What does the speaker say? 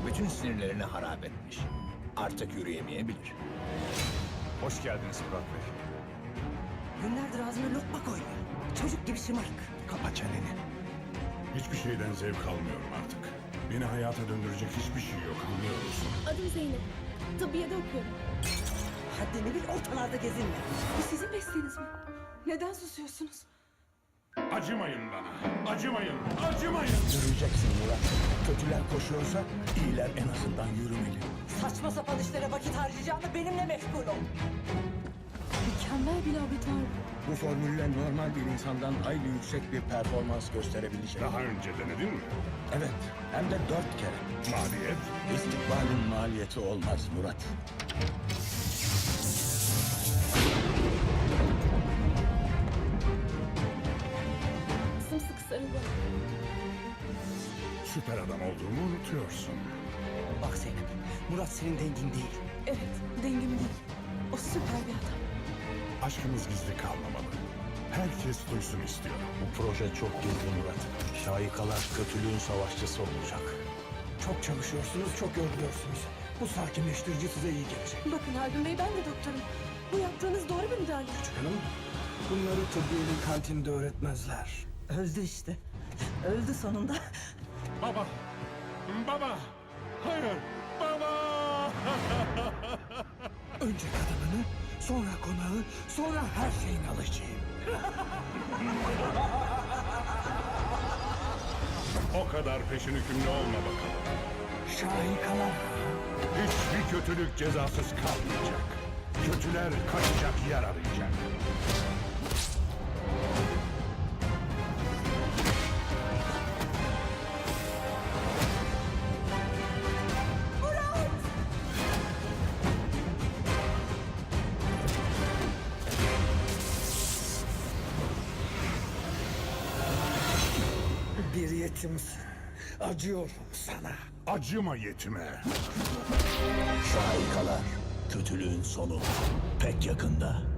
Bütün sinirlerini harap etmiş. Artık yürüyemeyebilir. Hoş geldiniz Murat Bey. Günlerdir ağzına lokma koyuyor. Çocuk gibi şımarık. Kapa çeneni. Hiçbir şeyden zevk almıyorum artık. Beni hayata döndürecek hiçbir şey yok, anlıyor musun? Adım Zeynep. Tıbbiyede okuyorum. Haddini bil, ortalarda gezinme. Bu sizin mesleğiniz mi? Neden susuyorsunuz? Acımayın bana, acımayın, acımayın! Yürüyeceksin Murat. Kötüler koşuyorsa iyiler en azından yürümeli. Saçma sapan işlere vakit harcayacağını benimle meşgul ol. Mükemmel bir laboratuvar. Bu formülle normal bir insandan hayli yüksek bir performans gösterebilecek. Daha önce denedin mi? Evet, hem de 4 kere. Maliyet? İstikbalin maliyeti olmaz Murat. Sımsıkı sarıldı. Süper adam olduğumu unutuyorsun. Bak Zeynep, Murat senin dengin değil. Evet, dengim değil. O süper bir adam. Aşkımız gizli kalmamalı. Herkes duysun istiyorum. Bu proje çok gizli Murat. Şahikalar kötülüğün savaşçısı olacak. Çok çalışıyorsunuz, çok yoruluyorsunuz. Bu sakinleştirici size iyi gelecek. Bakın Haldun Bey, ben de doktorum. Bu yaptığınız doğru bir müdahale. Hanım, bunları tıbbiyenin kantinde öğretmezler. Öldü işte. Öldü sonunda. Baba! Baba! Hayır! Baba! Önce kadınını, sonra konağı, sonra her şeyini alacağım. O kadar peşin hükümlü olma bakalım. Şahikalar. Hiçbir kötülük cezasız kalmayacak. Kötüler kaçacak yer arayacak. Bir yetimsin. Acıyorum sana. Acıma yetime. Şahikalar. Kötülüğün sonu pek yakında.